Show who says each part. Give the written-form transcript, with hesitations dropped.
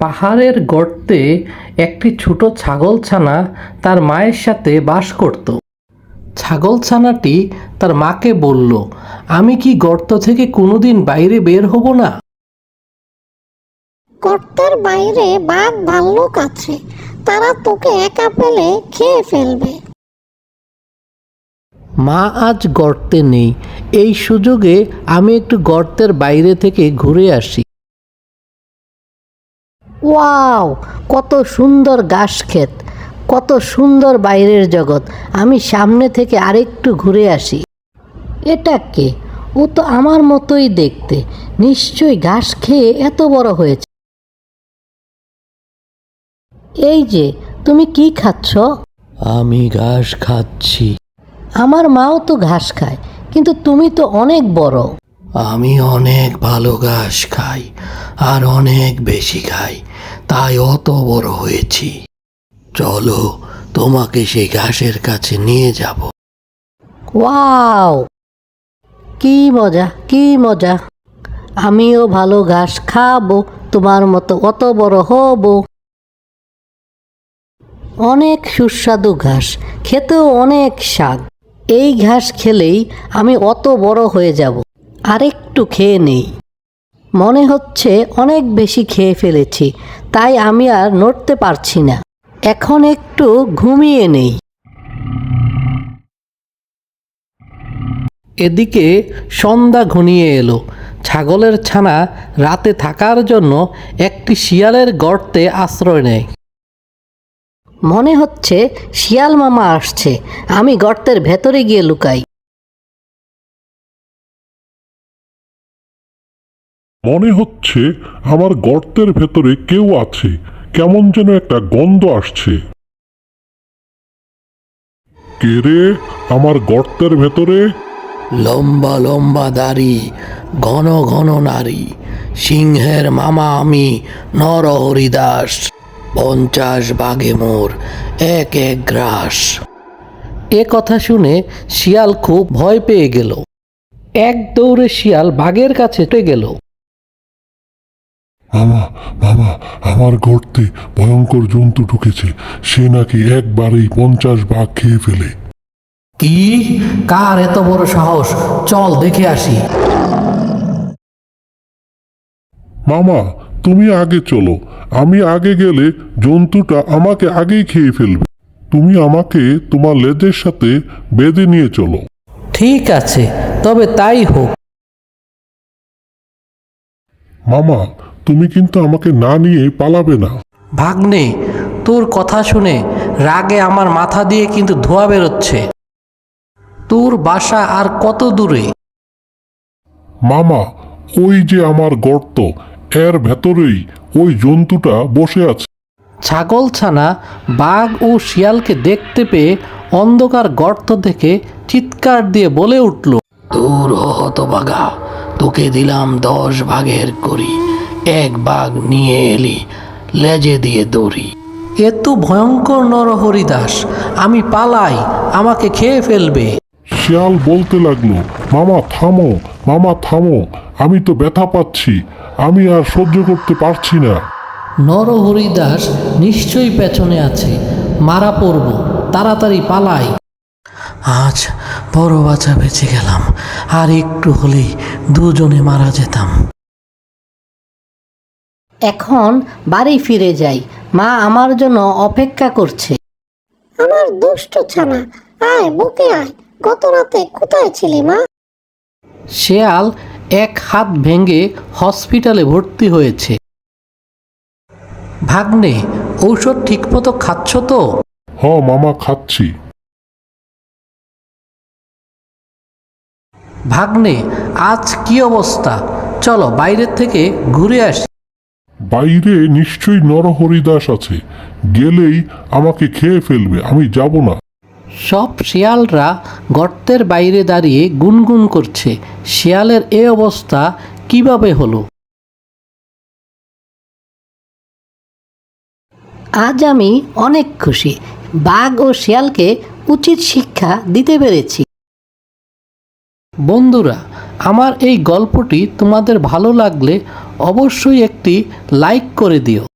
Speaker 1: পাহাড়ের গর্তে একটি ছোট ছাগলছানা তার মায়ের সাথে বাস করত। ছাগলছানাটি তার মাকে বলল, আমি কি গর্ত থেকে কোনোদিন বাইরে বের হব না?
Speaker 2: গর্তের বাইরে বাঘ ভাল্লুক আছে, তারা তোকে একা পেলে খেয়ে ফেলবে।
Speaker 1: মা আজ গর্তে নেই, এই সুযোগে আমি একটু গর্তের বাইরে থেকে ঘুরে আসি। ওয়াও, কত সুন্দর ঘাস ক্ষেত, কত সুন্দর বাইরের জগৎ। আমি সামনে থেকে আরেকটু ঘুরে আসি। এটা কে? ও তো আমার মতোই দেখতে, নিশ্চয়ই ঘাস খেয়ে এত বড় হয়েছে। এই যে, তুমি কি খাচ্ছ? আমি ঘাস খাচ্ছি। আমার মাও তো ঘাস খায়, কিন্তু তুমি তো অনেক বড়। আমি অনেক ভালো ঘাস খাই, আর অনেক বেশি খাই, তাই অত বড় হয়েছি। চলো, তোমাকে সেই ঘাসের কাছে নিয়ে যাব। ওয়াও, কি মজা, কি মজা! আমিও ভালো ঘাস খাবো, তোমার মতো অত বড় হব। অনেক সুস্বাদু ঘাস, খেতেও অনেক স্বাদ। এই ঘাস খেলেই আমি অত বড় হয়ে যাব। আরেকটু খেয়ে নেই। মনে হচ্ছে অনেক বেশি খেয়ে ফেলেছি, তাই আমি আর নড়তে পারছি না। এখন একটু ঘুমিয়ে নেই। এদিকে সন্ধ্যা ঘনিয়ে এলো। ছাগলের ছানা রাতে থাকার জন্য একটি শিয়ালের গর্তে আশ্রয় নেয়। মনে হচ্ছে শিয়াল মামা আসছে, আমি গর্তের ভেতরে গিয়ে লুকাই।
Speaker 3: মনে হচ্ছে আমার গর্তের ভেতরে কেউ আছে, কেমন যেন একটা গন্ধ আসছে। কে রে আমার গর্তের ভেতরে?
Speaker 1: লম্বা লম্বা দাড়ি, ঘন ঘন নারী, সিংহের মামা আমি, নরহরি দাস। 50 বাঘে মোর, এক এক গ্রাস। এ কথা শুনে শিয়াল খুব ভয় পেয়ে গেল। এক দৌড়ে শিয়াল বাঘের কাছে ছুটে গেল।
Speaker 3: মামা মামা, আমার গর্তে ভয়ঙ্কর জন্তু ঢুকেছে, সে নাকি একবারেই 50 বাঘ খেয়ে ফেলে।
Speaker 1: কি? কার এত বড় সাহস? চল দেখে আসি।
Speaker 3: মামা, তুমি আগে চলো, আমি আগে গেলে জন্তুটা আমাকে আগেই খেয়ে ফেলবে। তুমি আমাকে তোমার লেজের সাথে বেঁধে নিয়ে চলো।
Speaker 1: ঠিক আছে, তবে তাই হোক।
Speaker 3: মামা, তুমি কিন্তু আমাকে না নিয়ে পালাবে না।
Speaker 1: ভাগ্নে, তোর কথা শুনে রাগে আমার মাথা দিয়ে কিন্তু ধোঁয়া বেরোচ্ছে। তোর বাসা আর কত দূরে?
Speaker 3: মামা, ওই যে আমার গর্ত, এর ভেতরেই ওই জন্তুটা বসে আছে।
Speaker 1: ছাগলছানা বাঘ ও শিয়ালকে দেখতে পেয়ে অন্ধকার গর্ত থেকে চিৎকার দিয়ে বলে উঠল, দূর হতভাগা, তোকে দিলাম 10 ভাগের করি, এক বাঘ নিয়ে এলি, লেজে দিয়ে দড়ি। এ তো ভয়ঙ্কর নরহরি দাস, আমি পালাই, আমাকে খেয়ে ফেলবে।
Speaker 3: শিয়াল বলতে লাগলো, মামা থামো, মামা থামো, আমি তো ব্যথা পাচ্ছি, আমি আর সহ্য করতে পারছি না।
Speaker 1: নরহরি দাস নিশ্চয়ই পেছনে আছে, মারা পড়ব, তাড়াতাড়ি পালাই। আজ বড় বাঁচা বেঁচে গেলাম, আর একটু হলেই দুজনে মারা যেতাম। এখন বাড়ি ফিরে যাই, মা আমার জন্য অপেক্ষা করছে।
Speaker 2: আমার দুষ্ট ছানা, আয় বুকে আয়, গত রাতে কোথায় ছিলি মা?
Speaker 1: শেয়াল এক হাত ভেঙে হসপিটালে ভর্তি হয়েছে। ভাগ্নে, ঔষধ ঠিকমতো খাচ্ছ তো?
Speaker 3: মামা খাচ্ছি।
Speaker 1: ভাগ্নে, আজ কি অবস্থা? চলো বাইরের থেকে ঘুরে আসি।
Speaker 3: বাইরে নিশ্চয়ই নরহরিদাস আছে, গেলেই আমাকে খেয়ে ফেলবে, আমি যাব না।
Speaker 1: সব শিয়ালরা গর্তের বাইরে দাঁড়িয়ে গুনগুন করছে, শিয়ালের এ অবস্থা কিভাবে হলো? আজ আমি অনেক খুশি, বাঘ ও শিয়ালকে উচিত শিক্ষা দিতে পেরেছি। বন্ধুরা, আমার এই গল্পটি তোমাদের ভালো লাগলে অবশ্যই একটি লাইক করে দিও।